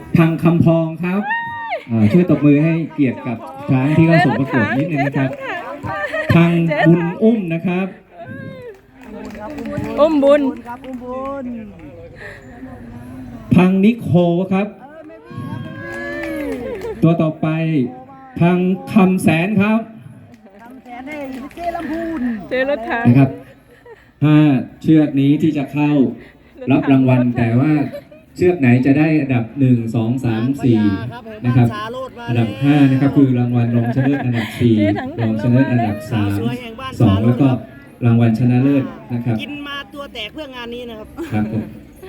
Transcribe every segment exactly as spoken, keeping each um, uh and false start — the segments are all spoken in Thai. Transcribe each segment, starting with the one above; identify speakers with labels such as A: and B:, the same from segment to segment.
A: พังคำพองครับช่วยตบมือให้เกียรติกับช้างที่เข้าสู่ประกวดนิดนึงนะครับพังบุญอุ้มนะครับ
B: อุ้มบุญ
A: พังนิโคครับตัวต่อไปพังคำแสนครับ
B: เจรถถัง
A: นะครับห้าเชือกนี้ที่จะเข้ารับรางวัลแต่ว่าเชือกไหนจะได้อันดับหนึ่งสองสามสี่นะครับอันดับห้านะครับคือรางวัลรองชนะเลิศอันดับสี่รองชนะเลิศอันดับสามสองแล้วก็รางวัลชนะเลิศนะครับ
C: กินมาตัวแตกเพื่องานนี้นะครับ
A: ครับผม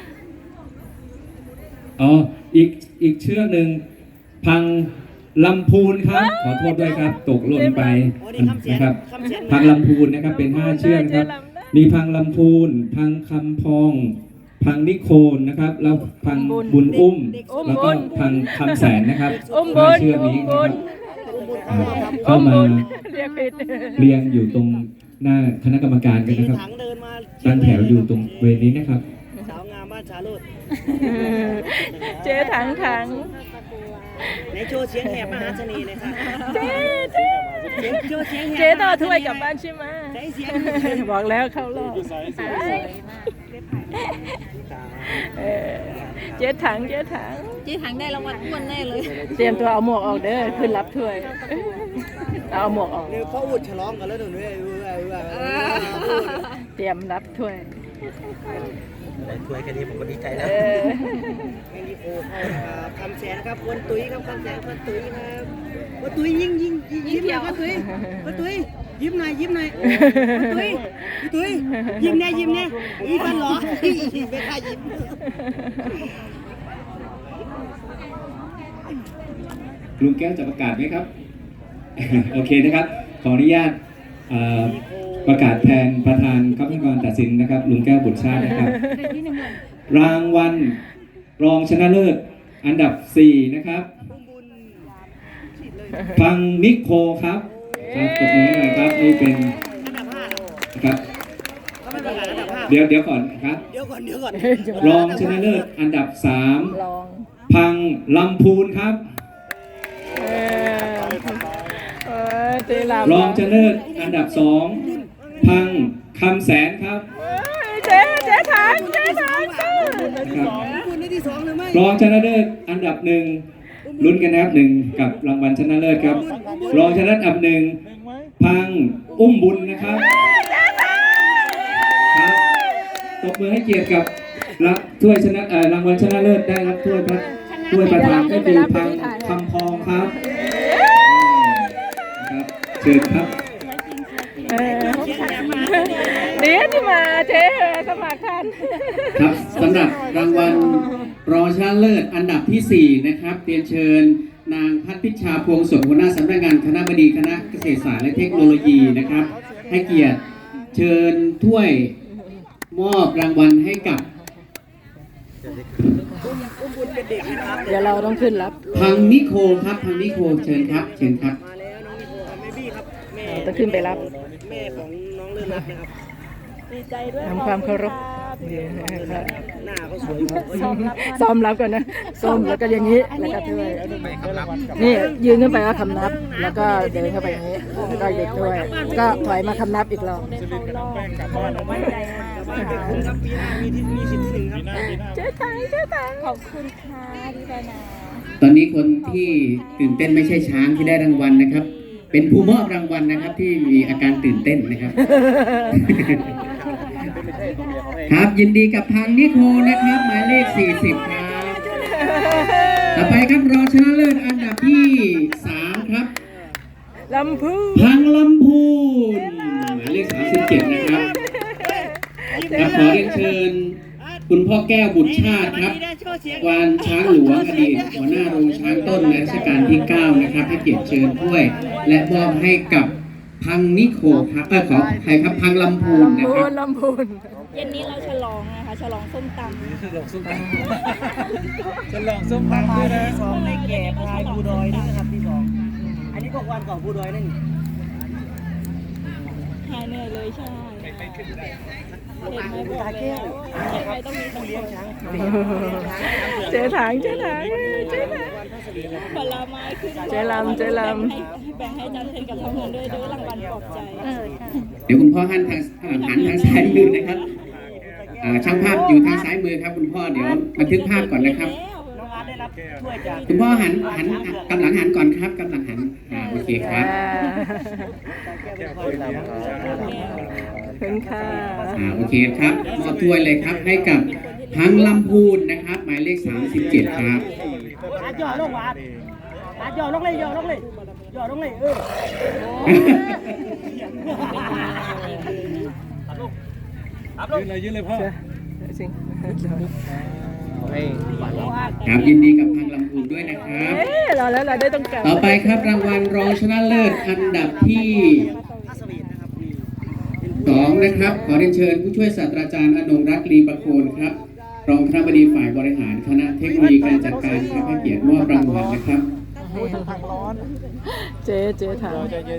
A: อ๋ออีกอีกเชือกหนึ่งพังลำพูนครับขอโทษด้วยครับตกหล่นไปนะครับพังลำพูนนะครับเป็นห้าเชือกครับมีพังลำพูนพังคำพองพังนิโคนนะครับแล้วพังบุญอุ้มแล้วก็พังคำแสนนะครับห้าเชือกนี้นะครับเข้ามาเรียงอยู่ตรงหน้าคณะกรรมการกันนะครับตั้งแถวอยู่ตรงเวทีนี้นะครับ
C: สาวงามบ้านชาโรด
B: เจ๊ถังถัง
C: ในโชว์เสียงแหบมหาเสน่ห์เลยค่ะ
B: เจ๊เจ๊
C: โชว์เสียงแหบ
B: เจ๊ต่อถ้วยกลับบ้านใช่ไหมบอกแล้วเข้ารอบเจ๊ถังเจ๊ถัง
D: เจ๊ถังได้รางวัลอ้วนแน่เลย
B: เตรียมตัวเอาหมวกออกเด้อขึ้นรับถ้วยเอาหมวกออก
C: เดี๋ยวเขาอุดฉลองกันแล้วหนูเนี่ย
B: เตรียมรับถ้วย
C: ได้ถ้วยแค่นี้ผมก็ดีใจแล้วแค่นี้โอ้คำแสนครับคนตุ้ยครับคำแสนคนตุ้ยครับคนตุ้ยยิ้มยิ้มยิ้มหน่อยคนตุ้ยคนตุ้ยยิ้มหน่อยยิ้มหน่อยคนตุ้ยคนตุ้ยยิ้มแน่ยิ้มแน่อีฟันหรอไม่ค่ายิ้ม
A: ลุงแก้วจะประกาศไหมครับโอเคนะครับขออนุญาตประกาศแทนประธานคณะกรรมการตัดสินนะครับลุงแก้วบุตรชาตินะครับรางวัลรองชนะเลิศอันดับสี่นะครับพังนิโคครับครับตบมือหน่อยครับนี่เป็นครับเดี๋ยวเดี๋ยวก่อนครับ
C: เดี๋ยวก่อนเดี๋ยวก่อน
A: รองชนะเลิศอันดับสามพังลำพูนครับรองชนะเลิศอันดับสองพังคำแสนครับ
B: เจ๊เจ๊ถังเจ๊ถัง
A: รองชนะเลิศอันดับหนึ่งลุ้นกันนะครับหนึ่งกับรางวัลชนะเลิศครับรองชนะเลิศอันดับหนึ่งพังอุ้มบุญนะครับครับตบมือให้เกียรติกับรับถ้วยชนะรางวัลชนะเลิศได้รับถ้วยพัดถ้วยประธานก็คือพังคำพองครับเชิญครับ
B: เดี๋ยวที่มาเจ๊สมัครทัน
E: ครับสำหรับรางวัลรองชนะเลิศอันดับที่สี่นะครับเรียนเชิญนางพัฒพิชาพวงสดหัวหน้าสำนักงานคณบดีคณะเกษตรศาสตร์และเทคโนโลยีนะครับให้เกียรติเชิญถ้วยมอบรางวัลให้กับ
B: เดี๋ยวเราต้องขึ้นรับ
E: พังนิโคครับพังนิโคเชิญครับเชิญครับ
B: ต้องขึ้นไปรับ
C: แม่ของน้องเลื่อนรับนะครับ
B: ดีใจด้วยทำความเคารพ
C: หน้าเขาสวย
B: ซ้อมรับก่อนนะซ้อมแล้วก็อย่างนี้แล้วก็ด้วยนี่ยืนขึ้นไปว่าคำนับแล้วก็เดินเข้าไปอย่างนี้แล้วก็หยุดด้วยก็ถอยมาคำนับอีกรอบเจ๊ตังเจ๊ตัง
D: ขอบคุณค่ะดีใจนะ
E: ตอนนี้คนที่ตื่นเต้นไม่ใช่ช้างที่ได้รางวัลนะครับเป็นผู้มอบรางวัลนะครับที่มีอาการตื่นเต้นนะครับครับยินดีกับพังนิโคนะครับหมายเลขสี่สิบครับต่อไปครับรองชนะเลิศอันดับที่สามครับ
B: ลำพูน
E: พังลำพูนหมายเลขสามสิบเจ็ดนะครับครับขอเรียนเชิญคุณพ่อแก้วบุตรชาติครับวานช้างหลวงอดีตหัวหน้าโรงช้างต้นในรัชกาลที่เก้านะครับให้เกียรติเชิญถ้วยและมอบให้กับพังนิโคครับเออขอใครครับพังลำพูนนะครับ
B: ลำพูน
D: เย็นนี้เราฉลองนะคะฉลองส้มตำ
C: ฉลองส้มตำฉลองส้มตำด้วยนะสองในแก่พายภูดอยด้วยนะครับที่สองอันนี้ก็วันก่อนภูดอยนั่น
D: หายเหนื่อยเลยใช่ห็นไหมบอกแล้วยังไงต้องมีสังคม
B: เจ๊ถังเจ๊ถังเจ๊ถัง
D: ผลไม้ขึ้น
B: เจ๊ลำเจ๊ลำ
D: แบ่งให้จันเทนกับทำงานด้วยด้วยรางวัลปลอบใจ
E: เดี๋ยวคุณพ่อหันทางอ่าหันทางซ้ายมือนะครับอ่าช่างภาพอยู่ทางซ้ายมือครับ คุณพ่อเดี๋ยวบันทึกภาพก่อนนะครับ
C: น้องอาร์ตได้รับถ้วยจาก
E: คุณพ่อหันหันกำลังหันก่อนครับกำลังหันอ่าโอเคครับ
B: ถึงค่ะ
E: อ่าโอเคครับมอบถ้วยเลยครับให้กับพังลำพูนนะครับ หมายเลขสามสิบเจ็ดครับ
C: อาร์ตย่อลงอาร์ตอาร์ตย่อลงเลยย่อลงเลยย่อลงเลยเออ
B: จริง
E: ครับยินดีกับพังลำพูนด้วยนะครับ
B: เอ๊ะเราแล้วเราได้ต้องกลับ
E: ต่อไปครับรางวัลรองชนะเลิศอันดับที่สองนะครับ ขอเรียนเชิญผู้ช่วยศาสตราจารย์อนงรักษ์ลีประโคนครับ รองคณบดีฝ่ายบริหารคณะเทคโนโลยีการจัดการครับให้เกียรติมอบรางวัลนะครับ
B: เจ๊เจ๊ถัง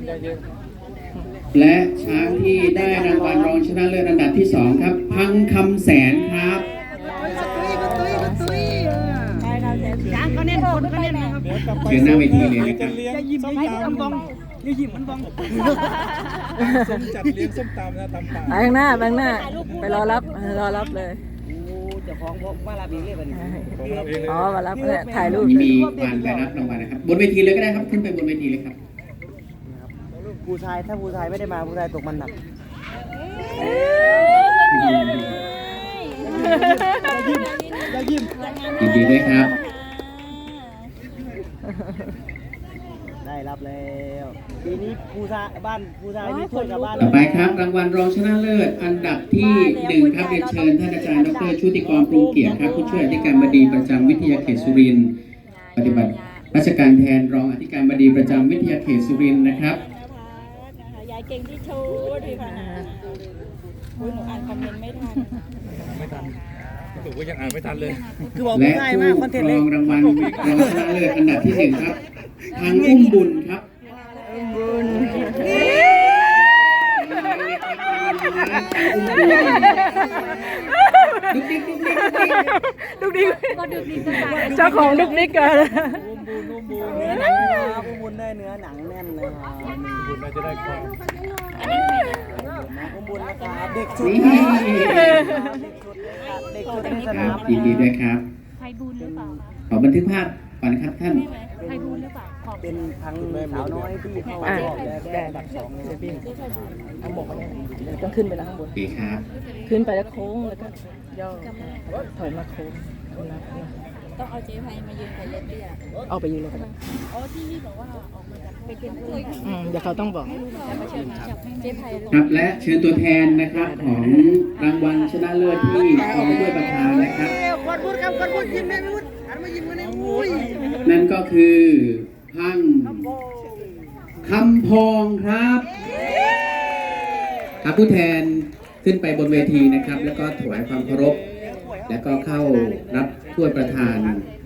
E: และช้างที่ได้รางวัลรองชนะเลิศอันดับที่สองครับ พังคำแสนครับ
C: จางก็เน้นคนก็เน้นนะครับ
E: เชิญหน้าเวทีเลยนะครับ
C: อย่ายิ้มอย่ายิ้มมันบองอย่ายิ้มมันบอง
F: ส้มจัดเลี้ยงส้มตำนะตำป่า
B: ไปข้างหน้าไปข้างหน้า ไปรอรับรอรับเลย
C: โอ้เจ้าของผมมาลาบีเลยบัดนี้
F: ของเราเองเลย
B: อ๋อมารับเนี่ยถ่ายรูป
E: มีการไปรับรางวัลนะครับ บนเวทีเลยก็ได้ครับ ขึ้นไปบนเวทีเลยครับ
C: ผู้ชายถ้าผู้ชายไม่ได้มาผู้ชายตกมันหนักอย่ายิ้ม
E: ยินดีด้วยครับ
C: ได้รับแล้วปีนี้ผู้ชายบ้านผู้ชายมีถ้วยกับบ้าน
E: ต่อไปครับรางวัลรองชนะเลิศอันดับที่หนึ่งครับเรียนเชิญท่านอาจารย์ดรชุติกรปรุงเกียรติครับผู้ช่วยอธิการบดีประจำวิทยาเขตสุรินทร์ปฏิบัติราชการแทนรองอธิการบดีประจำวิทยาเขตสุรินทร์นะครับ
D: ยายเก่งที่ชูดีค่ะนะหนูอ่านคอมเมนต์ไม่ทัน
F: ไม่ทันถูกว่ายังอ่านไม่ทันเลย
C: คือบอก
E: และ
C: ง่าย
E: ผู้
C: มากคอนเทนต์
E: ร
C: เล
E: อย งรางวัลรองชนะเลิศอันดับที่หนึ่งครับทางอุ้มบุญครับ
B: บุญ
E: ดุ๊กดิ๊กดุ๊กดิ๊กดุ๊กดิ๊ก
B: ดุกดิกเจ้าของดุกดิกกัน
C: เนื้อหนังนะครับบุญได้เนื้อหนังแน่นเลยครับ
F: บุญเราจะได้ความ
C: บุญนะครับเด็กสุด
E: นี่
C: เด็กสุดในส
E: ค
C: นา
E: รับ
C: ม
E: ยินดีด้วยครับ
D: ไพบูลหรือเปล่า
E: ขอบันทึกภาพก่อนนะครับท่าน
D: ไพบูลหรือเปล่าขอบ
C: เป็นพังสาวน้อยที่เข้า
B: อ่ะ
C: รอบแรก
B: ได้
C: อันดับสองเลย
B: เดี๋ยวพี่เอาหมวกมาเนี่ยเดี๋ยวต้องขึ้นไปแล้วข้างบน
E: โอเคครับ
B: ขึ้นไปแล้วโค้งแล้วก็ย่อถอยมาโค้งนะนะ
D: ต้องเอาเจ๊ไพมายืนกับเล็บเตี้ย
B: เอาไปยืนเลยก็ได้
D: อ๋อที่นี่บอกว่าออกมาจากไปเก็บถ้วย
B: อืมเดี๋ยวเขาต้องบอก
D: จะมาเชิญจับเจ๊ไพลง
E: ครับและเชิญตัวแทนนะครับของรางวัลชนะเลิศที่กองด้วยประธานนะครับ
C: ควันพูดครับควันพูดยิ้มแม่พูดหันมายิ้มกันเลยอุ้ย
E: นั่นก็คือพังคำพองครับครับผู้แทนขึ้นไปบนเวทีนะครับ แล้วก็ถวายความเคารพแล้วก็เข้ารับถ้วยประธาน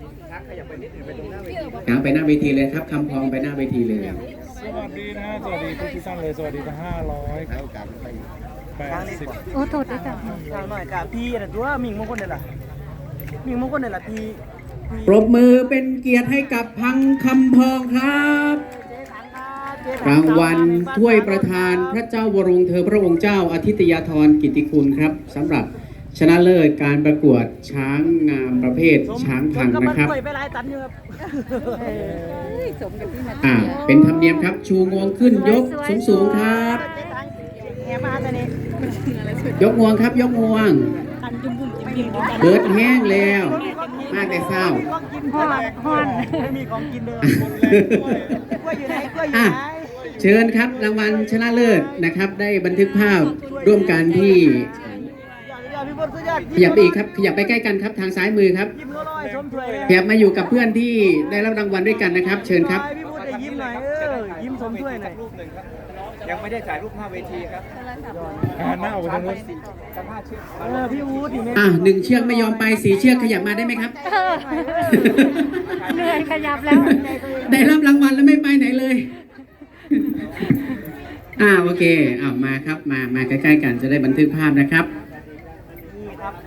E: ครับไปหน้าเวทีเลยครับคำพองไปหน้าเวทีเลย
F: สวัสดีนะสวัสดีทุกท่านเลย สวัสดีทั้งห้าร้อยแปดสิบ
B: โอ้โทษด้วยจ้ะ
C: ทางหน่อยกับพี่นะตัวมิงมงคลเนี่ยล่ะมิงมงคลเนี่ยล่ะพี่
E: ปรบมือเป็นเกียรติให้กับพังคำพองครับรางวัลถ้วยประธานพระเจ้าวรวงเธอพระองค์เจ้าอาทิตยาธรกิตติคุณครับสำหรับชนะเลิศการประกวดช้างงามประเภทช้างพังนะครับ
C: ไปหลายตันอยู่ครับ
B: สมกับที่มา
E: อ่าเป็นธรรมเนียมครับชูงวงขึ้นยกสูงสูงๆครับ
C: แหมาแต่นี่
E: ยกงวงครับยกงวง
D: อันจุ่มบุ่มจิ้มจิ้มกัน
E: เบิดแห้งแล้วมากแต่เศร้า
C: ของกินฮอนฮอนไม่มีของกินเดิมกล้วยอยู่ไหนกล้วยอยู่
E: อ่ะ
C: ไหน
E: เชิญครับรางวัลชนะเลิศนะครับ ได้บันทึกภาพร่วมกันที่
C: ยอดพี่บนสุดยอด
E: ขยับไปอีกครับขยับไปใกล้กันครับทางซ้ายมือครับ
C: ยิ้มร้อยสมถวย
E: ขยับมาอยู่กับเพื่อนที่ได้รับรางวัลด้วยกันนะครับ เชิญครับ
C: พี่บุญจะยิ้มหน่อยเออยิ้มสมถ้วยหน่อย
F: ยังไม่ได้ถ่ายรูปหน้าเวทีครับหันหน้าออกไปทางนู้น
C: เออพี่อู๊ดนี่แม่
E: อ่ะหนึ่งเชือกไม่ยอมไปสีเชือกขยับมาได้ไหมครับ
B: เหนื่อยขยับแล้ว
E: ได้รับรางวัลแล้วไม่ไปไหนเลย อ่าโอเคอ้าวมาครับมามาใกล้ๆกันจะได้บันทึกภาพนะครับ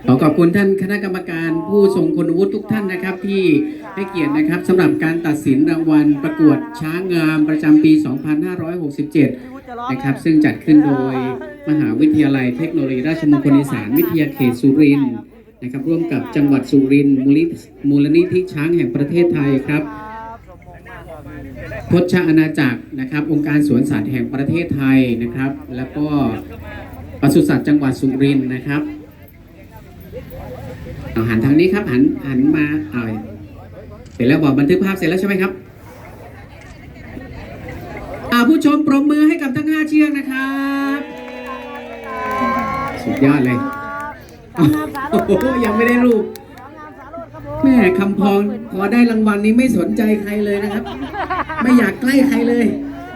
E: ขอขอบคุณท่านคณะกรรมการผู้ทรงคุณวุฒิทุกท่านนะครับที่ให้เกียรตินะครับสำหรับการตัดสินรางวัลประกวดช้างงามประจำปี สองพันห้าร้อยหกสิบเจ็ด นะครับซึ่งจัดขึ้นโดยมหาวิทยาลัยเทคโนโลยีราชมงคลอีสานวิทยาเขตสุรินทร์นะครับร่วมกับจังหวัดสุรินทร์มูลนิธิมูลนิธิช้างแห่งประเทศไทยครับพจน์อาณาจักรนะครับองค์การสวนสัตว์แห่งประเทศไทยนะครับแล้วก็ปศุสัตว์จังหวัดสุรินทร์นะครับเอาหันทางนี้ครับหันหันมาเอาเสร็จแล้วบอกบันทึกภาพเสร็จแล้วใช่ไหมครับอ่าผู้ชมปรบมือให้กับทั้งห้าเชือกนะครับสุดยอดเลยโอ้โหยังไม่ได้รูปแม่คำพองพอได้รางวัลนี้ไม่สนใจใครเลยนะครับ ไม่อยากใกล้ใครเลย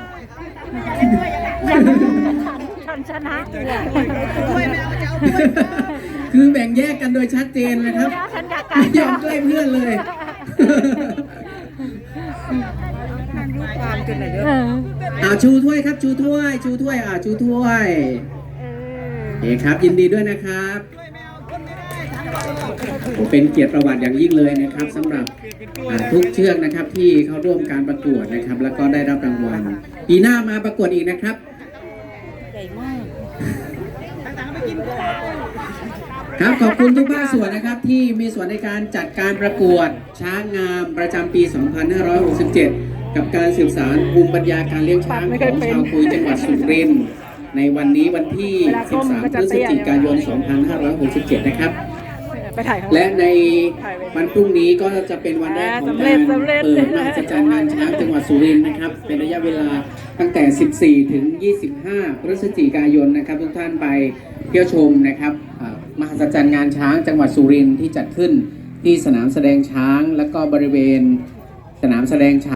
D: ฉันชนะ
E: คือแบ่งแยกกันโดยชัดเจนนะครับ
D: ฉันอยาก
E: ไม่ยอมใกล้เพื่อนเลย อ่าชูถ้วยครับชูถ้วยชูถ้วยอ่าชูถ้วยโอเคครับยินดีด้วยนะครับผมเป็นเกียรติประวัติอย่างยิ่งเลยนะครับสำหรับอ่าทุกเชือกนะครับที่เข้าร่วมการประกวดนะครับ แล้วก็ได้รับรางวัลปีหน้ามาประกวดอีกนะครับ
D: ใหญ่มาก
E: ครับขอบคุณทุกภาคส่วนนะครับที่มีส่วนในการจัดการประกวดช้างงามประจำปี สองพันห้าร้อยหกสิบเจ็ด กับการสืบสานภูมิปัญญาการเลี้ยงช้างของชาวคุยจังหวัดสุรินทร์ในวันนี้วันที่ สิบสาม พฤศจิกายน สองพันห้าร้อยหกสิบเจ็ด นะครับ
B: ไปถ่ายข้างห
E: และ
B: ลัง
E: ในวันพรุ่งนี้ก็จะเป็นวันแรกของการเปิดมหัศจรรย์งานช้างจังหวัดสุรินทร์นะครับเป็นระยะเวลาตั้งแต่ สิบสี่ ถึง ยี่สิบห้า พฤศจิกายนนะครับทุกท่านไปเที่ยวชมนะครับอ่ามหัศจรรย์งานช้างจังหวัดสุรินทร์ที่จัดขึ้นที่สนามแสดงช้างและก็บริเวณสนามแสดงช้าง